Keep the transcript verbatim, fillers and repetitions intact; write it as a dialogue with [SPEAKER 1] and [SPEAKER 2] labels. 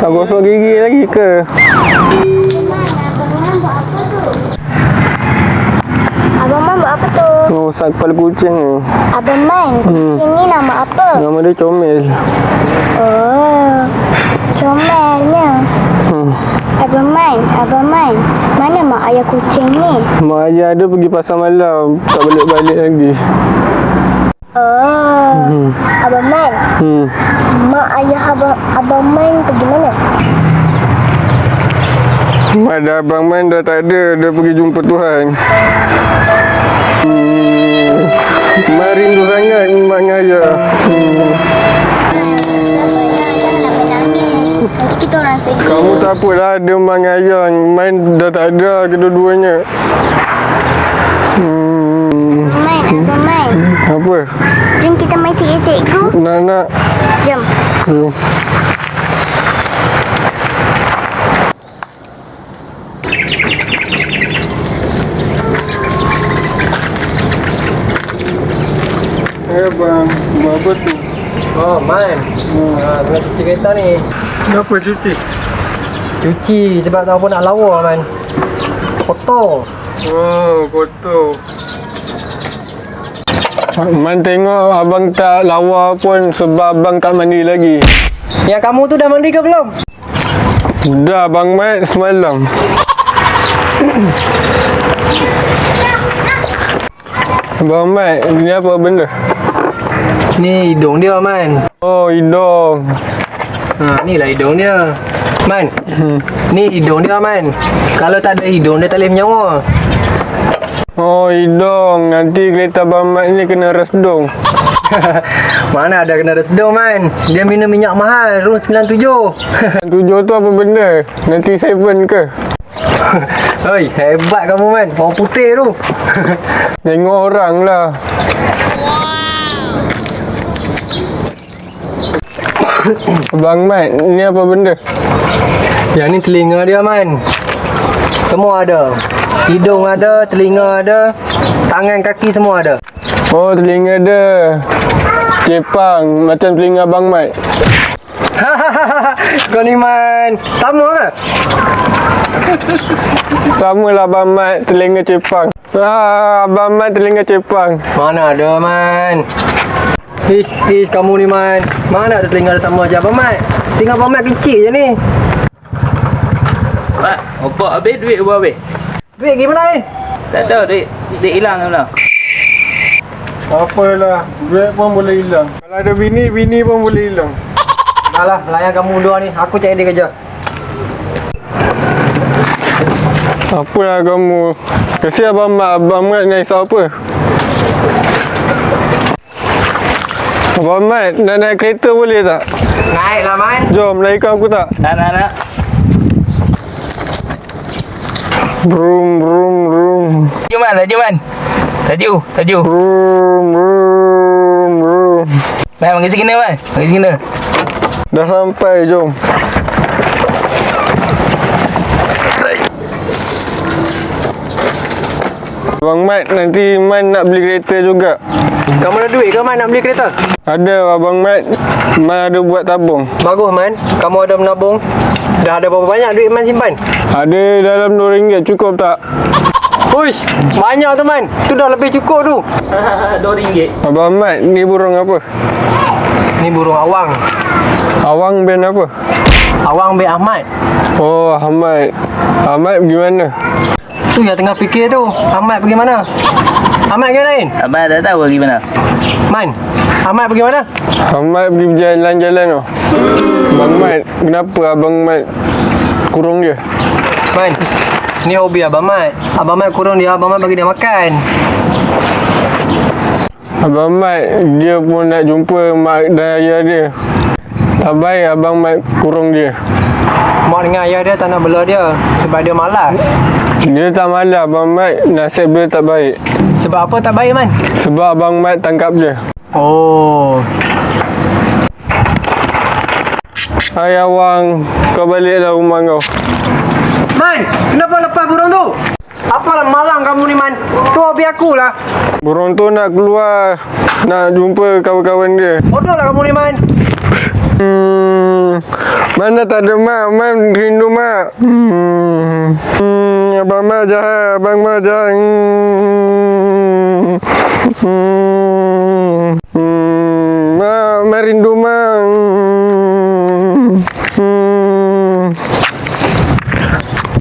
[SPEAKER 1] Nak gosok gigi lagi ke?
[SPEAKER 2] Abang Man buat apa tu?
[SPEAKER 1] Rosak kepala kucing ni.
[SPEAKER 2] Abang Man, kucing hmm. ni nama apa?
[SPEAKER 1] Nama dia Comel.
[SPEAKER 2] Oh, comelnya.
[SPEAKER 1] Hmm.
[SPEAKER 2] Abang Man, Abang Man, mana mak ayah kucing ni?
[SPEAKER 1] Mak ayah ada pergi pasar malam, tak balik-balik lagi.
[SPEAKER 2] Oh, hmm. Abang Man, hmm. mak ayah abang, abang Man pergi mana?
[SPEAKER 1] Ada Abang Man dah tak ada, dia pergi jumpa Tuhan. Hmm. Mak rindu sangat maknya ayah. Hmm.
[SPEAKER 2] Nanti kita orang sedih.
[SPEAKER 1] Kamu tak apalah, ada mak dengan ayah. Main dah tak ada kedua-duanya. Hmm.
[SPEAKER 2] Abang Man, Abang Man.
[SPEAKER 1] Apa?
[SPEAKER 2] Jom kita main cikgu-cikgu.
[SPEAKER 1] Nak, nak.
[SPEAKER 2] Jom.
[SPEAKER 1] Hmm. Eh bang, buat apa tu?
[SPEAKER 3] Oh, Man. Hmm. Ha, tengah cuci kereta ni.
[SPEAKER 1] Kenapa cuci?
[SPEAKER 3] Cuci sebab tahu pun nak lawa, Man. Kotor.
[SPEAKER 1] Oh, kotor. Man tengok abang tak lawa pun sebab abang tak mandi lagi.
[SPEAKER 3] Yang kamu tu dah mandi ke belum?
[SPEAKER 1] Dah Abang Mat semalam. Abang Mat, ni apa benda?
[SPEAKER 3] Ni hidung dia, Man.
[SPEAKER 1] Oh, hidung.
[SPEAKER 3] Ha, ni lah hidung dia. Man,
[SPEAKER 1] Hmm.
[SPEAKER 3] ni hidung dia, Man. Kalau tak ada hidung, dia tak boleh menyawa.
[SPEAKER 1] Oh, hidung. Nanti kereta Abang Mat ni kena resdung.
[SPEAKER 3] Mana ada kena resdung, Man. Dia minum minyak mahal, room sembilan tujuh.
[SPEAKER 1] Tujuh tu apa benda? Nanti seven ke?
[SPEAKER 3] Hei, hebat kamu, Man. Orang putih tu.
[SPEAKER 1] Tengok orang lah. Abang Mat, ni apa benda?
[SPEAKER 3] Yang ni telinga dia, Man. Semua ada. Hidung ada, telinga ada, tangan kaki semua ada.
[SPEAKER 1] Oh, telinga dia cepang macam telinga Abang Mat.
[SPEAKER 3] Kau ni, Man. Sama ke?
[SPEAKER 1] Sama lah Abang Mat, telinga cepang. Ah, Abang Mat telinga cepang.
[SPEAKER 3] Mana ada, Man. Ish, ish, kamu ni, Man. Mana ada telinga ada sama je Abang Mat. Telinga Abang Mat kecil je ni.
[SPEAKER 4] Pak, opak habis duit apa habis?
[SPEAKER 3] Duit gimana ni?
[SPEAKER 4] Tak tahu duit duit hilang ke mana.
[SPEAKER 1] Apalah, duit pun boleh hilang. Kalau ada bini, bini pun boleh hilang.
[SPEAKER 3] Dah lah, layan kamu dua ni. Aku cari dia kerja.
[SPEAKER 1] Apalah kamu. Kesian Abang Mat, Abang Mat nak risau apa? Abang Mat, nak naik kereta boleh tak?
[SPEAKER 3] Naik lah, Man.
[SPEAKER 1] Jom, naikkan aku tak?
[SPEAKER 4] Nak nak nak.
[SPEAKER 1] Brum, brum, brum.
[SPEAKER 4] Laju man, laju man. Laju, laju.
[SPEAKER 1] Brum, brum, brum.
[SPEAKER 4] Man, pergi sini man. Pergi sini.
[SPEAKER 1] Dah sampai, jom. Abang Mat, nanti Man nak beli kereta juga.
[SPEAKER 3] Kamu ada duit ke, Man, nak beli kereta?
[SPEAKER 1] Ada Abang Mat, Man ada buat tabung.
[SPEAKER 3] Bagus, Man. Kamu ada menabung. Dah ada berapa banyak duit Man simpan?
[SPEAKER 1] Ada dalam dua ringgit, cukup tak?
[SPEAKER 3] Uish, banyak tu, Man. Tu dah lebih cukup tu.
[SPEAKER 4] Dua ringgit.
[SPEAKER 1] Abang Mat, ni burung apa?
[SPEAKER 3] Ni burung awang.
[SPEAKER 1] Awang band apa?
[SPEAKER 3] Awang bin Ahmad.
[SPEAKER 1] Oh, Ahmad. Ahmad pergi mana?
[SPEAKER 3] Tu yang tengah fikir tu. Ahmad pergi mana? Ahmad pergi lain?
[SPEAKER 4] Abang tak tahu pergi mana.
[SPEAKER 3] Man, Ahmad pergi mana?
[SPEAKER 1] Ahmad pergi berjalan-jalan tu. Abang Mat, kenapa Abang Mat kurung dia?
[SPEAKER 3] Man, ni hobi Abang Mat. Abang Mat kurung dia, Abang Mat bagi dia makan.
[SPEAKER 1] Abang Mat, dia pun nak jumpa mak dan ayah dia. Tak baik Abang Mat kurung dia.
[SPEAKER 3] Mak dengan ayah dia tak nak bela dia sebab dia malas.
[SPEAKER 1] Dia tak malah Abang Mat, nasib dia tak baik.
[SPEAKER 3] Sebab apa tak baik, Man?
[SPEAKER 1] Sebab Abang Mat tangkap dia.
[SPEAKER 3] Oh.
[SPEAKER 1] Hai Awang, kau baliklah rumah kau.
[SPEAKER 3] Man, kenapa lepas burung tu? Apalah malang kamu ni, Man. Tu hobi aku lah.
[SPEAKER 1] Burung tu nak keluar, nak jumpa kawan-kawan dia.
[SPEAKER 3] Bodoh lah kamu ni, Man.
[SPEAKER 1] Hmm, mana tak ada mak, mak rindu mak. Hmm, hmm, abang mak jahat, abang mak jahat. Hmm, hmm.